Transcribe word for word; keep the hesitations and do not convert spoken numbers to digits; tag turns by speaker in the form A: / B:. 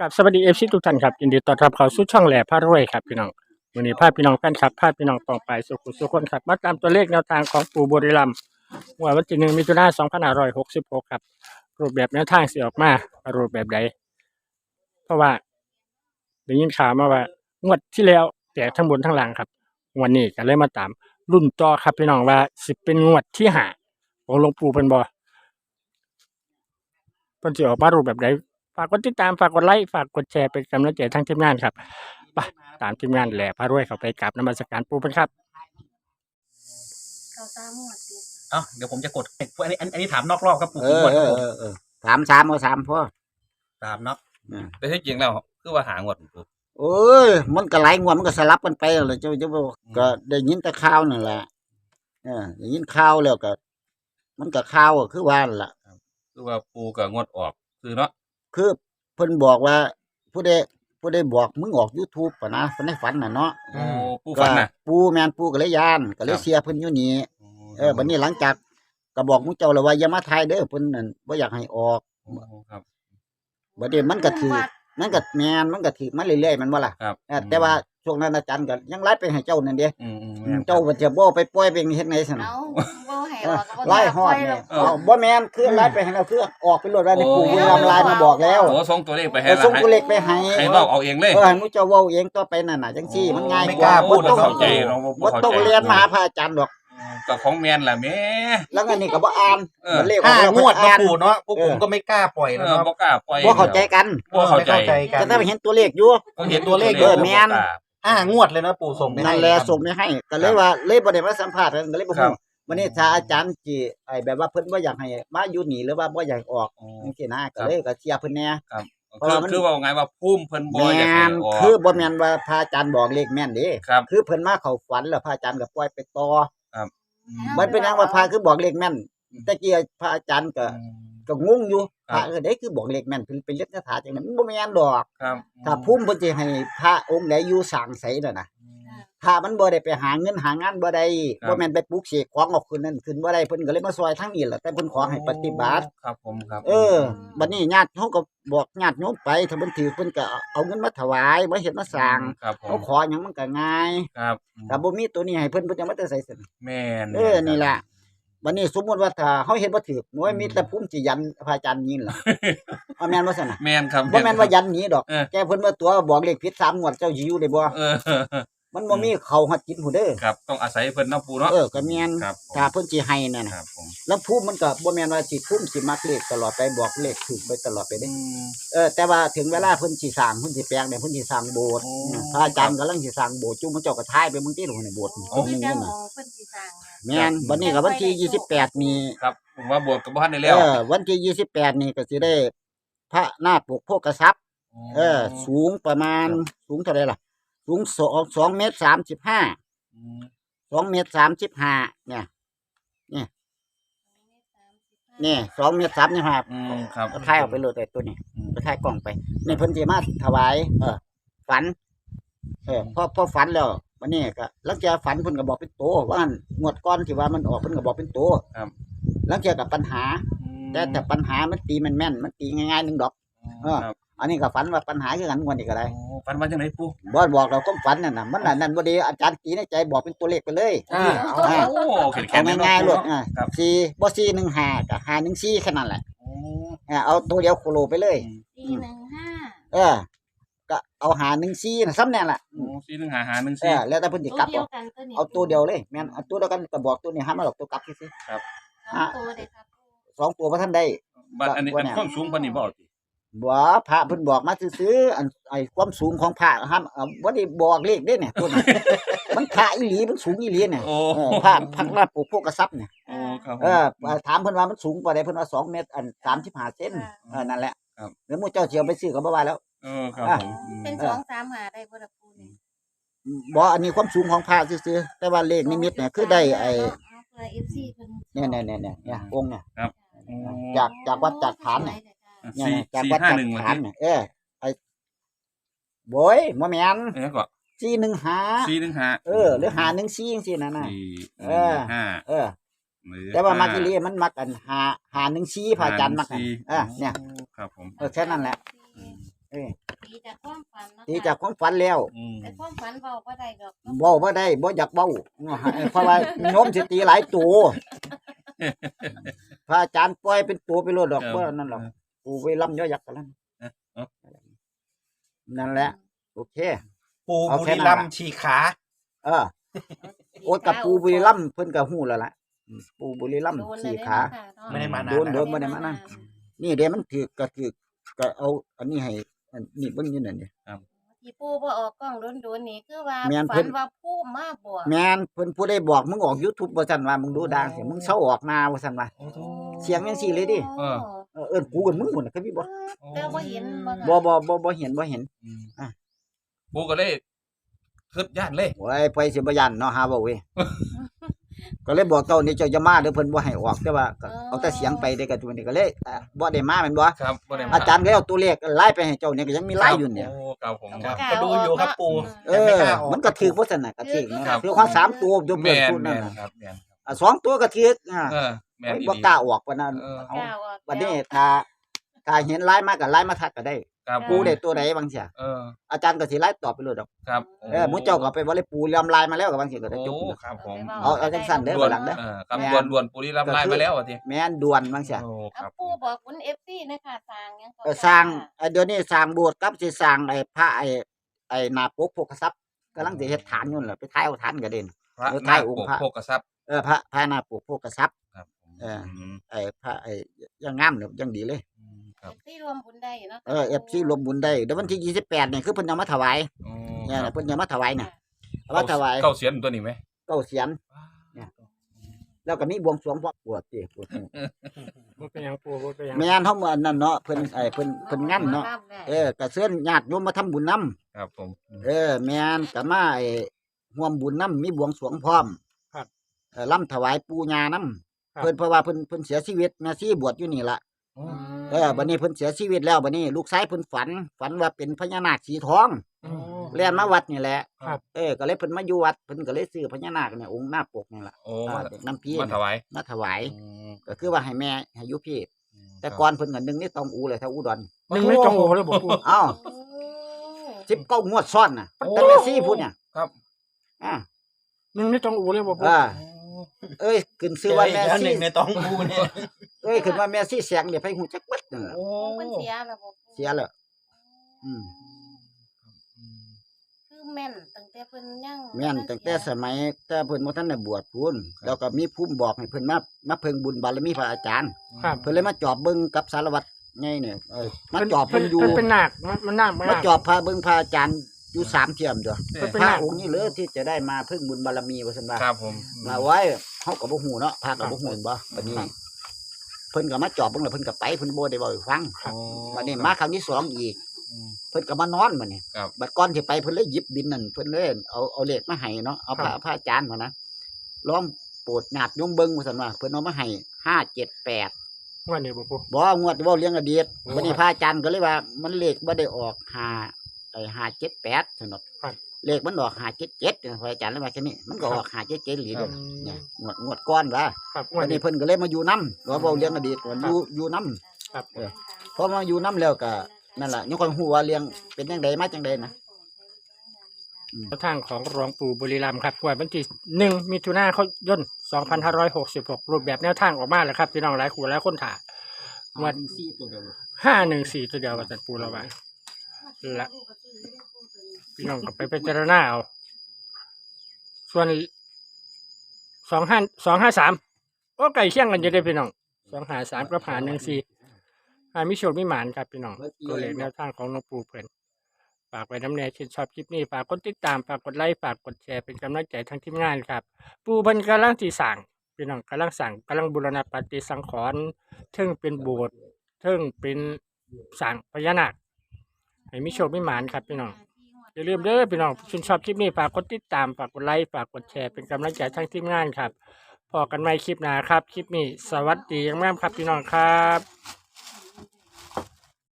A: ครับสวัสดีเอฟซีทุกท่านครับยินดีต้อนรับเข้าสู่ช่องแหล่พารวยครับพี่น้องวันนี้พาพี่น้องแฟนคลับพาพี่น้องต่อไปสุขุสุขคนครับมาตามตัวเลขแนวทางของปู่บุรีรัมย์วันที่หนึ่งมิถุนายนสองพันห้าร้อยหกสิบหกครับรูปแบบแนวทางสิออกมารูปแบบใดเพราะว่าได้ยินข่าวมาว่างวดที่แล้วแตกทั้งบนทั้งล่างครับวันนี้ก็เลยมาตามรุ่นต่อครับพี่น้องว่าสิเป็นงวดที่ห้าของหลวงปู่เพิ่นบ่เพิ่นสิออกมารูปแบบใดฝากกดติดตามฝากกดไลค์ฝากกดแชร์เป็นกำลังใจทั้งทีมงานครับไปตามทีมงานแหล่พารวยเข้าไปกราบนมัสการปู่เพิ่นครับ
B: เขาตามหมวดติด
C: เอ้าเดี๋ยวผมจะกดอันนี้อันนี้ถามนอกรอบครับปู่
D: เอ
C: ผม
D: อก
C: ด
D: เอ
C: ครับ
D: อ
C: ผม
D: เออเออสามสามเอาสามพ่อ
C: ตามเนาะ
D: อ่า
E: แต่ที่จริงแล้วคือว่าหางวดปู่
D: โอ้ยมันก็หลายงวดมันก็สลับกันไปเลยเจ้าเจ้าบอกก็ได้ยินแต่ข่าวนั่นแหละเออได้ยินข่าวแล้วก็ มันก็ข่าวก็คือว่านั่นล่ะ
E: คือว่าปูกับงวดออกคือเนาะ
D: คือเพิ่นบอกว่า ผู้ใดผู้ใดบอกมึงออก YouTube ป่ะนะในฝันน่ะเนาะ
E: โอ้ปูฝันน่ะ
D: ก็ปูแม่นปูก็เลยย่านก็เลยเสียเพิ่นอยู่นี่เออบัดนี้หลังจากก็บอกมึงเจ้าแล้วว่าอย่ามาถ่ายเด้อเพิ่นนั่นบ่อยากให้ออก
E: โอ้ครับ
D: บัดนี้มันก็ถือมันก็แม่นมันก็ถือมาเรื่อยๆมันบ่ล่ะ
E: ครับ
D: เออแต่ว่าช่วงนั้นอาจารย์ก็ยังไล่ไปให้เจ้านั่นเด้
E: อืมอืม
D: อืมเจ้าก็จะบ่ไปปล่อยไปเฮ็ดไงซั่นน่ะ
B: เอาบ่ให้ออกก็บ่
D: ไล่ฮอด
B: แล้
D: เนี่
B: วย
D: เอาบ่แม่นคือไล่ไปให้เราคือออกไปรถว่าในปู่บุรีรัมย์ไลน์มาบอกแล้ว
E: โอ้ส่งตัวเลขไปให้
D: เออ
E: ละ
D: ส่ง
E: ให้
D: ตัวเลขไปให้
E: ให้เว้าเอาเองเลย
D: เออให้มุเจ้าเว้าเองต่อไปนั่นน่ะจังซี่มันง่าย
C: ไม่
D: ก
C: ก
D: ว่า
C: ล้าพูด
D: บ่ต้อง
C: เข้าใจ
E: เราบ่
D: บ่
E: เข้า
D: ต้อง
E: ใจ
D: เรียนมาหาพระอาจารย์ดอก
E: กับของแม่นล่ะแม่
D: แล้วอันนี้ก็บ่อ่าน
E: เออ
D: มันเลขออก
C: ห้า
D: แล้ว
C: งวด
D: อ่า
C: นะ
D: น
C: ปู่เนาะพวก
D: เออ
C: ผมก็ไม่กล้าปล่อย
E: เอ
C: แล้ว
E: อ
C: เนาะ
E: บ่กล้าปล่อย
D: บ่เข้าใจกัน
E: บ่เข้าใจ
C: ไม่กัน
D: ก็ถ้าไปเห็นตัวเลขอยู่
E: ก็เห็น
C: ตัวเลข
D: เออแม่น
E: บ่กล้า
C: ห้างวดเลยนะปู่ส่งไปให้
D: นั่นแหละส่งไปให้ก็เลยว่าเลยบ่ได้มาสัมภาษณ์กันก็เลยบ่
E: ครั
D: ฮู้
E: บ
D: วันนี้ถ้าอาจารย์สิไอ้แบบว่าเพิ่นบ่อยากให้มาอยู่นี่หรือว่าบ่อยากให้ออก
E: อ๋อ
D: จังซี่นะก็เลยก็เชียร์เพิ่นแหน่
E: ครับ
D: เพราะ
E: คือ
D: ว่ามัน
E: คือว่าไงว่าพุ่มเพิ่นบ่
D: แม่
E: อยากให้
D: น
E: ออก
D: คือบ่แม่นว่าพระอาจารย์บอกเลขแม่นเด้
E: ครับ
D: คือเพิ่นมาเข้าฝันแล้วพระอาจารย์ก็ปล่อยไปต่อ
E: อืม
D: มันเป็นหยังว่าพระคือบอกเลขแม่นแตะกี้พระอาจารย์ก็ก็งงอยู่พระเออเด้คือบอกเลขแม่นเพิ่นเป็นเลขคาถาจังนั้นมันบ่แม่นดอก
E: ครับ
D: ถ้าภูมิเพิ่นสิให้พระองค์ใดอยู่สร้างไสนั่นน่ะพระมันบ่ได้ไปหาเงินหางานบ่ได้บ่แม่นไปปลูกเสกของออกขึ้นนั่นขึ้นบ่ได้เพิ่นก็เลยมาซอยทางนี้แหละแต่เพิ่นขอให้ปฏิบัติ
E: ครับผมครับ
D: เออบัดนี้ญาติเขาก็บอกญาติโยมไปถ้าเพิ่นถือเพิ่นก็เอาเงินมาถวายมาเฮ็ดมาสร้าง
E: ครับผ
D: เขา
E: ม
D: ขอหยังมันก็ง่าย
E: ครับ
D: ถ้าบ่มีตัวนี้ให้เพิ่นเพิ่นจะมาแต่ใส่ซั่น
E: แม่น
D: เออนี่ล่ะบัดนี้สมมุติว่าถ้าเฮาเฮ็ดบ่ถูกโอ้ยมีแต่ภูมิสิยันพระอาจารย์ยินล่ะเอาแม่นบ่ซั่นน่ะ
E: แม่นครับ
D: บ่แม่นว่ายันหนีดอก
E: เออ
D: แกเพิ่นว่าตัวบอกเลขผิดสามงวดเจ้าสิอยู่ได้บ่
E: เออ
D: มันบ่มีเข้าฮอดจิตผู้เด้อ
E: ครับต้องอาศัยเพิ่นเนาะปู่เนาะ
D: เออก็แม่น
E: ครับผม
D: ถ้าเพิ่นสิให้นั่นน่ะ
E: ครับผม
D: แล้วภูมิมันก็บ่แม่นว่าสิภูมิสิมักเลขตลอดไปบอกเลขถูกไปตลอดไปเด้
E: อืม
D: เออแต่ว่าถึงเวลาเพิ่นสิสร้างเพิ่นสิแปลงเนี่ยเพิ่นสิสร้างโบสถ์
E: โอ้
D: อืมพระอาจารย์กำลังสิสร้างโบสถ์จุ่มมันเจ้าก็ทายไปเบิ่งติโลกในโบสถ์
E: โอ้
D: เพิ่น
B: คือ
D: มี
B: จั
D: เงิ
B: ง
D: น
B: ข
D: น่ะ
B: องเพิ่นสิสร้างน่ะ
D: แม่นบัดนี้ก็วันที่ยี่สิบแปดนี่
E: ครับผมว่าบวชกับบ่ทันได้
D: เอ
E: แล้ว
D: อวันที่ยี่สิบแปดนี่ก็สิได้ พระนาคปกโภคทรัพย์ เออ สูงประมาณสูงเท่าใดล่ะ สูงสองสองเมตรสามสิบห้า
E: อืม
D: สองเมตรสามสิบห้าเนี่ยนี่สองเมตรสามสิบห้า
E: อืมครับ
D: ก็ถ่ายออกไปเลยแต่ตัวนี้
E: อืม
D: ก็ถ่ายกล้องไปนี่เพิ่นสิมาถวาย เออ ฝัน เออพอพอฝันแล้ววันนี้ก็หลังจากฝันเพิ่นก็บอกเป็นโตว่างั้นงวดก่อนที่ว่ามันออกเพิ่นก็บอกเป็นโต
E: ครับ
D: หลังจากกับปัญหา
E: อืม
D: แต่แต่ปัญหามันตีมันแม่นมันตีง่ายๆหนึงดอก เออ
E: ครับ
D: อันนี้ก็ฝันว่าปัญหาคือกันงวดนี้ก็ได้
E: โอ้ฝันว่าจังไดปู่
D: บ่บอกเราก็ฝันนั่นน่ะมันน่ะนั่นบ่ดีอาจารย์ตีในใจบอกเป็นตัวเลขไปเลย
C: อ่า
E: โอ้แข็งแข็
D: เอา
E: ง
D: ง่ายๆโลดอ่า
E: ครับ
D: สี่บ่สี่หนึ่งห้าก็ห้าหนึ่งสี่แค่นั้นแหละ
E: โอ้
D: อ่าเอาตัวเดียวโคโลไปเลย
B: สี่หนึ่งห้า
D: เออ ก็เอาหาหนึ่งสี่น่ะซ้ำแน่ล่ะ
E: โอ้สี่หนึ่งห้าห้าหนึ่ง
D: เอ
E: สี่
D: อแล้วแต่เพิ่นสิ
B: ตัว
D: กลับ
B: เดีย
D: เอา
B: วกันตัวนี้
D: เอาตัวเดียวเลยแม่นเอาตัวเดียวกันก็บอกตัวนี้ห้ามมาหรอกตัวกลับซื่อ
B: สองตัวเด้ครับ
D: ๆสองตัวบ่ทันได้
E: บัดอันนี้
D: ว่า
E: อัน
D: แนว
E: ความสูงปานนี้บ่เอาติ
D: บ่พระเพิ่นบอกมาซื่อๆอันไอ้ความสูงของพระห้ามเอาบ่ได้บอกเลขเด้เนี่ยตัวนี้ มันพระอีหลีมันสูงอีหลีเนี่ย
E: โอ้
D: เออพระพักหน้าปลูกพวกกระซับเนี่ย
E: โอ้ครับผม
D: เออถามเพิ่นว่ามันสูงกว่าใดเพิ่นว่าสองเมตรอันสามสิบห้าเซนเออนั่นแหละ
E: ครับ
D: แล้วหมู่เจ้าสิเอาไปซื้อก็บ่ว่าแล้ว
E: เออครับผมอืม
B: เป็นสองสามหาได้บ่ล่ะปูนี่
D: บ่อันนี้ความสูงของพระซื่อๆแต่ว่าเลขนิมิตเนี่ยคือได้ไอ้
B: เอาเพื่อ เอฟ ซี เพิ่น
D: เนี่ยๆๆๆเนี่ยองค์เนี่ย
E: โอ้
D: จากจากวัดจากฐานเนี่ย เนี่ย
E: สี่
D: จาก
E: สี่
D: วัด
E: ห้า
D: จาก
E: หนึ่งวัน
D: ฐาน
E: ที่
D: เนี่ยเออไอ้โบยบ่แม่น
E: เออก็
D: สี่หนึ่งห้า
E: สี่หนึ่งห้า
D: เออหรือห้าหนึ่งสี่จังซี่นั่นน่ะ
E: สี่ห
D: เอ
E: นึ่
D: อ
E: งห้า
D: เออ
E: หรือ
D: แต่ว่ามักอี
E: ห้
D: หลีมันมักอันห้าห้าหนึ่งสี่พระอาจารย์มักอัน
E: สี่
D: เออเนี่ย
E: ครับผม
D: เออแค่นั้นแหละ เออ
B: ตีจากความฝันเนาะ
D: ตีจากความฝันแล้ว
E: อืม
B: แต่ความฝันเบาบ่ได้ดอกเนาะ
D: เว้าบ่ได้บ่อยากเว้าเพราะว่าโยมสิตีหลายตัวพระอาจารย์ปล่อยเป็นตัวไปโลดดอกบ่นั่นหรอกปู่ไปลำย่อยักษ์กันแล้วนั่นแหละโอเค
C: ปู
D: เอา
C: บุ
D: แค่
C: รี
D: นั้น
C: รัม
D: ล่ะ
C: ย์ฉีกขา
D: เออโอ้กับปู่บุรีรัมย์เพิ่นก็ฮู้แล้วล่ะอืมปู่บุรีรัมย์
B: โดนเล
D: สี่
B: ย
D: ขา
B: เนาะค่ะเนาะ
C: ไม่ได้มานาน
D: โดน
C: แล้ว
D: โดนบ่ได้มานั่น นี่เด้มันถือก็ถือก็เอาอันนี้ให้อันนี่เบิ่งอยู่นั่นนี่
B: ที่ปู่บ่ออกกล้องโดนๆนี่คือว่า
D: แม่น
B: ฝั
D: เพิ่
B: น
D: น
B: ว่าผู้มาบอก
D: แม่นเพิ่นผู้ใดบอกมึงออก YouTube บ่ซั่นว่ามึงดูดังสิมึงเซาออกหน้าว่าซั่นว่า
C: โอ้โห
D: เสียงจังซี่เลยดิ
B: โอ้
D: เออเอิ้นกูกับมึงพุ่นน่ะคือมีบ่
B: แต่บ่เห็นบ่ค่ะ
D: บ่บ่บ่บ่เห็นบ่เห็น
E: อืม
D: อ่ะ
E: ปูก็เลยขึ้นย่านเลย
D: โอ้ยไปสิบ่ยันเนาะหาเว้าเว้ย ก็เลยบอกเจ้านี่เจ้าจะมาเด้อเพิ่นบ่ให้ออกแต่ว่าก็เอาแต่เสียงไปเด้อก็ตัวนี้ก็เลยอ่ะบ่ได้มาแม่นบ่
E: ครับบ่ได้ม
D: อาจารย์ก็เอาตัวเลขไล่ไปให้เจ้าเนี่ยก็ยังมีไล่อยู่เนี่ย
E: โอ้ครับผม
C: ครับ
B: กล้า
C: ก็ดูอยู่ครับปู
D: เอ
C: แต่ไม่
D: อก
C: ล้าออก
D: มันก็ถือบ่ซั่นน่ะก็ถือ
B: ครั
D: นะ
B: บ
D: ถือของสามตัวอยู่
E: แม่
D: เพิ่น
E: น
D: พูด
E: แม่
D: นั่น
E: น
D: น่ะ
E: ครับแม่นครับ
D: อ่ะสองตัวก็ถืออ่า
E: เออแม่น
D: เฮ้ย
E: อี
D: บ่
E: หลี
D: กล้าออกปานนั้น
E: เออ
B: กล้าออก
D: บัดนี้
B: แล้ว
D: ถ้าถ้าเห็นไล่มาก็ไล่มาทักก็ได้
E: ครับ
D: ปูได้ตัวใดบางเสีย
E: เออ
D: อาจารย์ก็สิไล่ตอบไปเลยดอก
E: ครับ
D: เออหมู่เจ้าก็ไปบ่ได้ปูเรียมไล่มาแล้วก็บางเสียก็ได้จบ
E: โอ้ครับผม
D: เอาเอาจังซั่นเด้อ
E: ด่วน
D: หลังเด้อ
E: เออครับ
D: แม่น
E: ด่วนด่วนปุรีรัมย์ไล่มาแล้วอ่ะที
D: แม่นด่วนบางเสีย
E: โอ้ค
B: เอา
E: รับ
B: ปู่บอกคุณ เอฟ ซี นะคะสร้างหยังก็
D: เออสร้างเอ่อเดี๋ยวนี้สร้างโบสถ์กับสิสร้างไอ้พระไอ้ไอ้หน้าปกโภคทรัพย์กำลังสิเฮ็ดฐานอยู่นั่นแหละไปท้ายเอาฐานก็เด่น
E: พระ
D: เออ
E: นา
D: ท้าย
E: ค
D: องค์
E: ปก
D: พระ
E: โภกทรัพย์
D: เออพระพระหน้าปกโภคทรัพย์
E: ครับผม
D: เออ
E: ม
D: ไอ้พระไอ้ยังงามเลยยังดีเลย
E: อืมครับ
B: ที่รวมบุญได้เนาะ
D: เออ เอฟ ซี รวมบุญได้เดี๋ยววันที่ยี่สิบแปดนี่คือเพิ่นเอามาถวาย
E: โอ้
D: เนี่ย
E: ครับ
D: เพิ่นเอามาถวายน่ะเอามาถวาย
E: เก้าเสียนตัวนี้ไหม
D: เก้าเสียนเนี่ยแล้วก็มีบวงสรวงพระปวดติปวด
A: บ่เป็นหยังปูบ่เป็นหยัง
D: แม่นเฮาเมื่อนั่นเนาะเพิ่นไอ้เพิ่นเพิ่นงั้นเนาะเออก็เชิญญาติโยมมาทำบุญนํ
E: ครับผม
D: เออแม่นก็มาไอ้ร่วมบุญนํมีบวงสรวงพร้อม
A: ครับ
D: เออล่ำถวายปู่ย่านํ
A: ครับ
D: เพิ่นเพราะว่าเพิ่นเพิ่นเสียชีวิตแม่ชีบวชอยู่นี่ล่ะ
E: โอ้
D: เออบัดนี้เพิ่นเสียชีวิตแล้วบัดนี้ลูกชายเพิ่นฝัน ฝันว่าเป็นพญานาคสีทอง
A: โอ้
D: แล่นมาวัดนี่แหละ
A: ครับ
D: เออก็เลยเพิ่นมาอยู่วัดเพิ่นก็เลยซื้อพญานาคเนี่ยองค์หน้าปกนี่ล่ะ
E: โอ้
D: อ่า
E: มา
D: เด็กน้ำพี
E: มาถวาย
D: มาถวาย
E: อืม
D: ก็คือว่าให้แม่ให้อยู่พี่
E: ม
D: แต่ก่อนเพิ่นก็นึงนี่ต้องอูเลยถ้าอุดร
A: หนึ่งไม่ตรงโอเลยบ่ปู
D: อ้าว
B: โอ้
D: สิบเก้างวดซ้อนน่ะตั้งแต่ซี่พูดเนี่ย
E: ครับ
D: อ่า
A: หนึ่งไม่ตรงโอเลยบ่ปู
D: อ่า
E: โอ้
D: เอ้ยขึ้นซื้อว่าแม่
C: แล้วห
D: ซี่
C: นึ่งในตองปูเนี่ย
D: เอ้ยขึ้นว่าแม่ซี่แสงเดี๋ยวไปหูจักเบิดนั่นล่ะ
E: โอ้
B: เพิ่นเสียแล้วบ่ปู่
D: เสียแล้วอืม
E: อืม
B: คือแม่นตั้งแต่เพิ่นยัง
D: แม่นตั้งแต่สมัยแต่เพิ่นบ่ทันได้บวชพูนแล้วก็มีภูมิบอกให้เพิ่นมามาเพิ่งบุญบารมีพระอาจารย์
A: ครับ
D: เพิ่นเลยมาจอบเบิ่งกับสารวัตรไงเนี่ยเออมาจอบ
A: เพิ่
D: เพิ่
A: น
D: นอยู่
A: เพิ่นเป็นนาคมันมันนาคมัน
D: มา
A: นาค
D: จอบพาเบิ่งพระอาจารย์อยู่สามเที่ยมจ้ะ
A: เพิ่นเป็น
D: พระ
A: นาค
D: องค์นี้เลยที่จะได้มาเพิ่งบุญบารมีว่าซั่นว่า
E: ครับผม
D: มาไว้เฮาก็บ่ฮู้เนาะพระก็บ่ฮู้เห็นบ่บัดนี้ เพิ่นก็มาจอบเบิ่งแล้วเพิ่นก็ไปเพิ่นบ่ได้เว้าให้ฟัง
E: โอ้
D: บัดนี้มาครั้งที่สองอีก
E: อืม
D: เพิ่นก็มานอนบัดนี้
E: ครับ
D: บัดก่อนสิไปเพิ่นเลยหยิบบินนั่นเพิ่นเลยเอาเอาเลขมาให้เนาะเอาพระพระอาจารย์มานะลองโปรดญาติโยมเบิ่งว่าซั่นว่าเพิ่นเอามาให้ห้า เจ็ด แปด
A: ว่านี่บ่ปู
D: บ่งวดเว้าเรื่องอดีต
A: โอ้
D: บัดนี้พระอาจารย์ก็เลยว่ามันเลขบ่ได้ออกห้าไอ้ห้า เจ็ด แปดซั่นเนาะ
A: ครับ
D: เลขมันออกห้า เจ็ด เจ็ดพระอาจารย์เลยว่าแค่นี้มันก็ออกห้า เจ็ด เจ็ดหลีเด้อ
A: อืม
D: เนี่ยงวดงวดก่อนว่า
A: ครับ
D: วั
A: ว่าน นี่
D: นี้เพิ่นก็เลยมาอยู่นำว่าเว้าเรื่องอดีตว่าอยู่อยู่นำ
A: ครับ
D: เออ พอมาอยู่นำแล้วก็นั่นล่ะยังค่อยฮู้ว่าเรื่องเป็นจังไดมาจังไดนะ
A: ทางของหลวงปู่บุรีรัมย์ครับวันที่หนึ่งมิถุนายนสองพันห้าร้อยหกสิบหกรูปแบบแนวทางออกมาแล้วครับพี่น้องหลายคู่หลายคนถ่ายวัน
D: สี่ตัวเดียว
A: ห้าหนึ่งสี่ตัวเดียวกับจัดปูเราไว้ละพี่น้องก็ไปพิจารณาเอาส่วนสองห้าสองห้าสามโอ้ไก่เคี่ยงกันจะได้พี่น้องสองหาสามกับหาหนึ่งสี่หามิโชคมิหมานครับพี่น้องตัวเลขแนวทางของหลวงปู่เพื่อนฝากไว้น้ำแน่ชื่นชอบคลิปนี้ฝากกดติดตามฝากกดไลค์ฝากกดแชร์เป็นกำลังใจทางทีมงานครับ ปู่เพิ่นกำลังที่สั่งพี่น้องกำลังสั่งกำลังบูรณะปฏิสังขรณ์เทิงเป็นโบสถ์เทิงเป็นสั่งพญานาคให้มีโชคมีหมานครับพี่น้องอย่าลืมเด้อพี่น้องชื่นชอบคลิปนี้ฝากกดติดตามฝากกดไลค์ฝากกดแชร์เป็นกำลังใจทางทีมงานครับพอกันใหม่คลิปหน้าครับคลิปนี้สวัสดีอย่างมากครับพี่น้องครับ